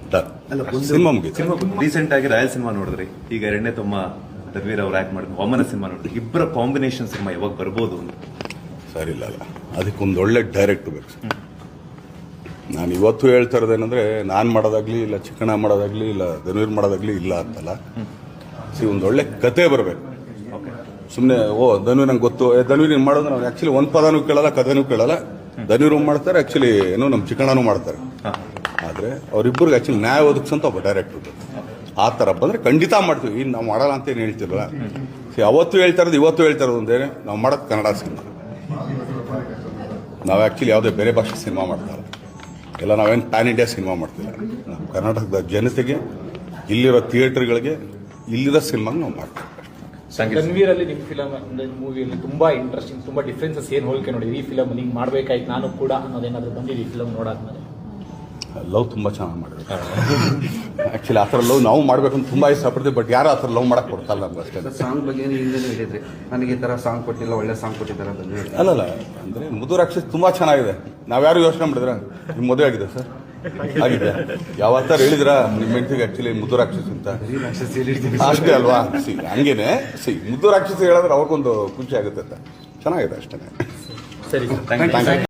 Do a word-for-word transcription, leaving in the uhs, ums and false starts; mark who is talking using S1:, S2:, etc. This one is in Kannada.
S1: ಸಿನಿಮಾ ಮುಗಿತು.
S2: ಸಿನಿಮಾ ರೀಸೆಂಟ್ ಆಗಿ ರಾಯಲ್ ಸಿನಿಮಾ ನೋಡಿದ್ರಿ, ಈಗ ಎರಡನೇ ತಮ್ಮ ಧರ್ಮೀರ್ ಅವ್ರು ಆಕ್ಟ್ ಮಾಡಿದ್ರು ವಾಮನ ಸಿನಿಮಾ ನೋಡಿದ್ರಿ. ಇಬ್ಬರ ಕಾಂಬಿನೇಷನ್ ಸಿನಿಮಾ ಯಾವಾಗ ಬರ್ಬೋದು ಅಂತ
S1: ಸರಿ ಇಲ್ಲ ಅಲ್ಲ, ಅದಕ್ಕೊಂದು ಒಳ್ಳೆ ಡೈರೆಕ್ಟ್ ಬೇಕು ಸರ್. ನಾನು ಇವತ್ತು ಹೇಳ್ತಾ ಇರೋದೇನೆಂದ್ರೆ ನಾನು ಮಾಡೋದಾಗ್ಲಿ ಇಲ್ಲ ಚಿಕ್ಕಣ್ಣ ಮಾಡೋದಾಗ್ಲಿ ಇಲ್ಲ ಧನುವೀರ್ ಮಾಡೋದಾಗ್ಲಿ ಇಲ್ಲ ಅಂತಲ್ಲ. ಸಿ ಒಂದು ಒಳ್ಳೆ ಕತೆ ಬರಬೇಕು. ಸುಮ್ಮನೆ ಓ ಧನುವೀರ್ ನಂಗೆ ಗೊತ್ತು, ಏ ಧನುವೀರ್ ನೀನು ಮಾಡೋದು ನಾವು ಆ್ಯಕ್ಚುಲಿ ಒಂದು ಪದನೂ ಕೇಳಲ್ಲ, ಕಥೆನೂ ಕೇಳಲ್ಲ. ಧನುವೀರ್ ಮಾಡ್ತಾರೆ, ಆ್ಯಕ್ಚುಲಿ ಏನೋ ನಮ್ಮ ಚಿಕ್ಕಣ್ಣನೂ ಮಾಡ್ತಾರೆ. ಆದರೆ ಅವರಿಬ್ಬರಿಗೆ ಆ್ಯಕ್ಚುಲಿ ನ್ಯಾಯ ಒದಗಿಸಂತ ಒಬ್ಬ ಡೈರೆಕ್ಟ್ರು ಆ ಥರ ಬಂದರೆ ಖಂಡಿತ ಮಾಡ್ತೀವಿ. ಇನ್ನು ನಾವು ಮಾಡಲ್ಲ ಅಂತ ಏನು ಹೇಳ್ತಿರಲ್ಲ. ಸಿ ಅವತ್ತು ಹೇಳ್ತಾ ಇರೋದು ಇವತ್ತು ಹೇಳ್ತಾ ಇರೋದು ಒಂದೇ, ನಾವು ಮಾಡೋದು ಕನ್ನಡ ಸಿನಿಮಾ. ನಾವು ಆ್ಯಕ್ಚುಲಿ ಯಾವುದೇ ಬೇರೆ ಭಾಷೆ ಸಿನಿಮಾ ಮಾಡ್ತಾರೆ ಎಲ್ಲ, ನಾವೇನು ಪ್ಯಾನ್ ಇಂಡಿಯಾ ಸಿನಿಮಾ ಮಾಡ್ತಿಲ್ಲ. ನಾವು ಕರ್ನಾಟಕದ ಜನತೆಗೆ, ಇಲ್ಲಿರೋ ಥಿಯೇಟರ್ಗಳಿಗೆ, ಇಲ್ಲಿರೋ ಸಿನಿಮಾಗೆ ನಾವು ಮಾಡ್ತೀವಿ.
S3: ಧನ್ವೀರ್ ಅಲ್ಲಿ ನಿಮ್ಮ ಫಿಲಮ್ ಮೂವಿಯಲ್ಲಿ ತುಂಬಾ ಇಂಟ್ರೆಸ್ಟಿಂಗ್, ತುಂಬಾ ಡಿಫ್ರೆನ್ಸಸ್ ಏನು ಹೋಲಿಕೆ ನೋಡಿದ್ರಿ ಈ ಫಿಲಮ್ ಹಿಂಗೆ ಮಾಡ್ಬೇಕಾಯ್ತು ನಾನು ಕೂಡ ಅನ್ನೋದೇನಾದ್ರು ಬಂದಿದೆ ಈ ಫಿಲಮ್ ನೋಡಾದ್ಮೇಲೆ?
S1: ಲವ್ ತುಂಬ ಚೆನ್ನಾಗಿ ಮಾಡಿದ್ರು. ಆ್ಯಕ್ಚುಲಿ ಆ ಥರ ಲವ್ ನಾವು ಮಾಡಬೇಕು ಅಂತ ತುಂಬ ಇಷ್ಟಪಡ್ತೀವಿ, ಬಟ್ ಯಾರು ಆ ಥರ ಲವ್ ಮಾಡಕ್ಕೆ ಕೊಡ್ತಲ್ಲ ನಮ್ಗೆ ಅಷ್ಟೇ.
S4: ಸಾಂಗ್ ಬಗ್ಗೆ ಹಿಂದೆ ಹೇಳಿದ್ರಿ, ನನಗೆ ಈ ಥರ ಸಾಂಗ್ ಕೊಟ್ಟಿಲ್ಲ, ಒಳ್ಳೆ ಸಾಂಗ್ ಕೊಟ್ಟಿದ್ದಾರೆ.
S1: ಅಲ್ಲಲ್ಲ, ಅಂದರೆ ಮುದ್ದು ರಾಕ್ಷಸ್ ತುಂಬ ಚೆನ್ನಾಗಿದೆ. ನಾವ್ಯಾರು ಯೋಚನೆ ಮಾಡಿದ್ರ ನಿಮ್ಮ ಮದುವೆ ಆಗಿದೆ ಸರ್? ಆಗಿದೆ. ಯಾವತ್ತಾರು ಹೇಳಿದ್ರ ನಿಮ್ಮ ಹೆಂಡತಿಗೆ ಆ್ಯಕ್ಚುಲಿ ಮುದ್ದು ರಾಕ್ಷಸ್ ಅಂತ? ಅಷ್ಟೇ ಅಲ್ವಾ? ಸಿ ಹಂಗೇನೆ ಸಿ ಮುದ್ದು ರಾಕ್ಷಸ ಹೇಳಿದ್ರೆ ಅವ್ರಿಗೊಂದು ಖುಷಿ ಆಗುತ್ತೆ ಅಂತ. ಚೆನ್ನಾಗಿದೆ ಅಷ್ಟೇ.
S3: ಸರಿ,
S2: ಥ್ಯಾಂಕ್ ಯು.